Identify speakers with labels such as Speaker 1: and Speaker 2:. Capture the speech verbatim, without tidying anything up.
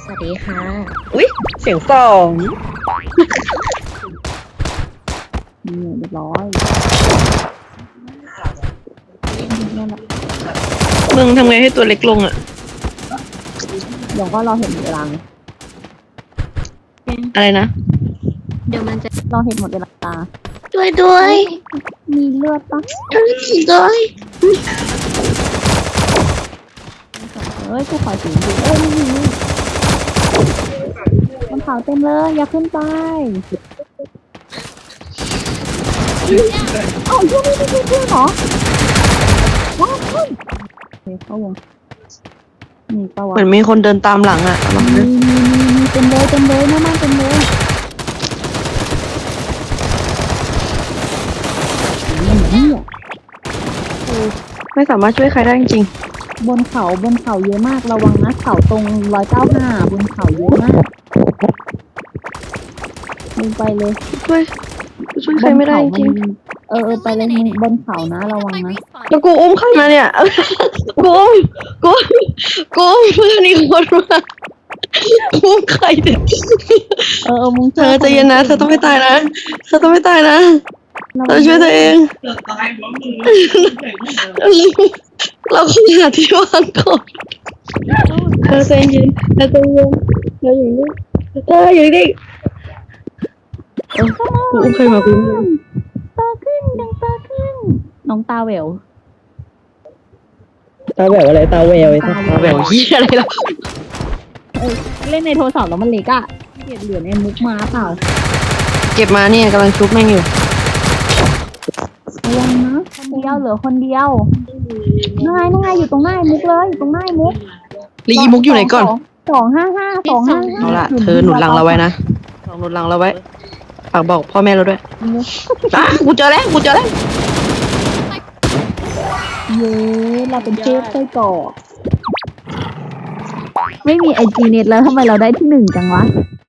Speaker 1: วัสดีค่ะ
Speaker 2: อุ๊ยเสียงสอง
Speaker 3: นี่เรียบร้อยนั่นแหละ
Speaker 2: มึงทำไงให้ตัวเล็กลงอ่ะ
Speaker 3: เดี๋ยวก็เราเห็นเวลาไง
Speaker 2: อะไรนะ
Speaker 1: เดี๋ยวมันจะ
Speaker 3: เราเห็นหมดเวลา
Speaker 1: ด้วยด้วย
Speaker 3: มีเลือดปะ
Speaker 1: ด้วย
Speaker 3: เอ้ยกูขอสูงดูเอ้ยไม่มีมันเขาเต็มเลยอย่าขึ้นไปเอ้าช่วงนี้ไม่ใช่เพื่อนเหรอว้าวเฮ้ยโอเคเข้าวงมีปะวะ
Speaker 2: เหมือนมีคนเดินตามหลังอ่ะลอง
Speaker 3: มี
Speaker 2: ดู
Speaker 3: มีมีมีเต็มเลยเต็มเลยหน้าบ้านเต็มเลยนี่อ่ะ
Speaker 2: ไม่สามารถช่วยใครได้จริง
Speaker 3: บนเขาบนเขาเยอะมากระวังนะเขาตรงร้อยเก้าห้าบนเขาเยอะมากมึงไปเลย
Speaker 2: ๆช่วยช่วยใครไม่ได้จริง
Speaker 3: เออเออไปเลยมึงบนเขานะระวังนะ
Speaker 2: แล้วกูอุ้มใครมาเนี่ย กูอุ้มกูกูอุ้มเพื่อนอีกคนมากูอุ้มใครเนี่ย
Speaker 3: เออเออมึง
Speaker 2: เธอใจเย็นนะเธอต้องไม่ตายนะเธอต้องไม่ตายนะเธอช่วยตัวเองเราขอหาที่วางก่อนเธอใจเย็นเธอใจเย็นเธออยู่นี่เธออยู่นี่เออกูอุ้มใครมากูอุ้ม
Speaker 3: ตาขึ้นดังตาขึ้นน้องตาแหวว
Speaker 2: ตาแหววอะไรตาแววไอ้ตาแหววเหี้ยอะไรล่ะ
Speaker 3: เออเล่นในโทรศัพท์แล้วมันเล็กอะเกลียดเหลือในมุกมาเปล่า
Speaker 2: เก็บมาเนี่ยกำลังชุบแม่งอยู่
Speaker 3: ระวังนะคนเดียวเหลือคนเดียวนั่งไงนั่งไงอยู่ตรงหน้าไอ้มุกเลยอยู่ตรงหน้าไอ้มุก
Speaker 2: ลีอีมุกอยู่ไหนก่อน
Speaker 3: สองห้าห้าสองห้าห้า
Speaker 2: เอาล่ะเธอหนุนหลังเราไว้นะลองหนุนหลังเราไว้ฝากบอกพ่อแม่เราด้วยอ่ะกูเจอแล้วกูเจอแล้ว
Speaker 3: เย้เราเป็นเชฟไส้กรอกไม่มีไอจีเน็ตแล้วทำไมเราได้ที่หนึ่งจังวะ